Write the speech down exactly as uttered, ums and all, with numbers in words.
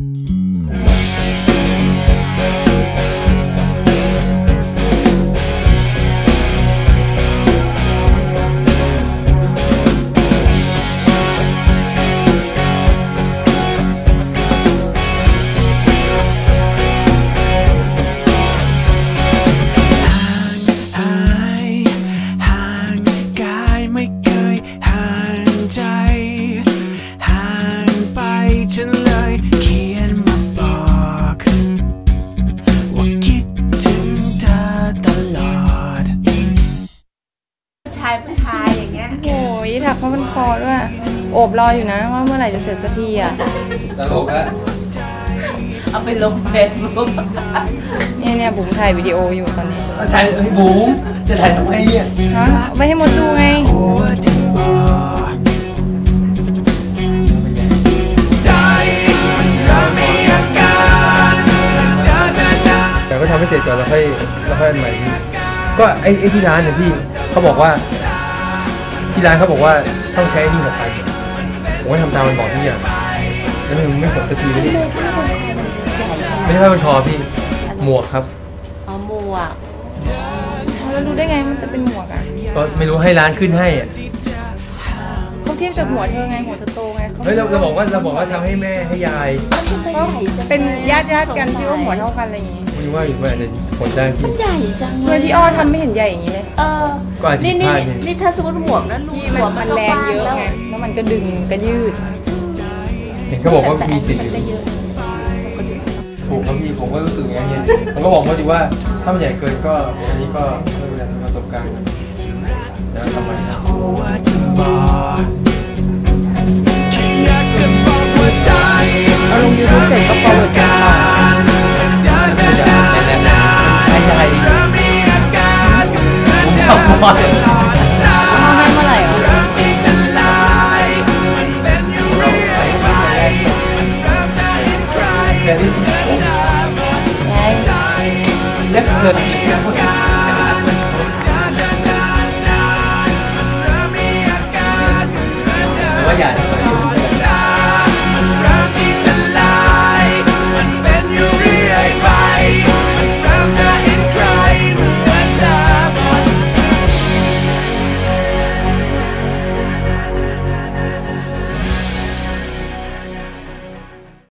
ผู้ชายอย่างเงี้ยโอ้ยถักผ้าพันคอด้วยโอบรออยู่นะว่าเมื่อไหร่จะเสร็จสักทีอ่ะตลกแล้วเอาไปลงเฟซบุ๊กเนี่ยเนี่ยบุ๋มถ่ายวิดีโออยู่ตอนนี้ถ่ายเฮ้ยบุ๋มจะถ่ายทำไมเนี่ยฮะเอาไปให้มดดูไงแต่ก็ทำให้เสร็จก่อนแล้วค่อยแล้วค่อยอันใหม่ก็ไอ้ไอ้ที่ร้านเนี่ยพี่เขาบอกว่าที่ร้านเขาบอกว่าต้องใช้นี่หกพันผมก็ทำตามมันบอกที่อย่างแล้วมันไม่หกสักทีไม่ได้ไม่ใช่ผ้าพันคอพี่หมวกครับอ๋อหมวกแล้วรู้ได้ไงมันจะเป็นหมวกอ่ะก็ไม่รู้ให้ร้านขึ้นให้อ่ะเขาเทียบจากหัวเธอไงหัวเธอโตไงเฮ้ยเราเราบอกว่าเราบอกว่าทำให้แม่ให้ยายก็เป็นญาติญาติกันที่ว่าหัวเท่ากันอะไรอย่างงี้ไม่ว่าอยู่ว่าจะผลได้พี่ใหญ่จังเลยพี่อ้อทำไม่เห็นใหญ่อย่างนี้เลยเออนี่นี่นี่ถ้าสมมติหมวกนั้นลูกหัวมันแรงเยอะไงแล้วมันก็ดึงก็ยืดเห็นเขาบอกว่ามีสิทธิ์อยู่ถูกครับพี่ผมก็รู้สึกอย่างเงี้ยผมก็บอกเขาดีว่าถ้ามันใหญ่เกินก็อันนี้ก็ไม่เป็นไรประสบการณ์แล้วทำไมเอาลงยูทูบเสร็จก็ฟอร์เวิร์ดกันต่อใหญ่ใหญ่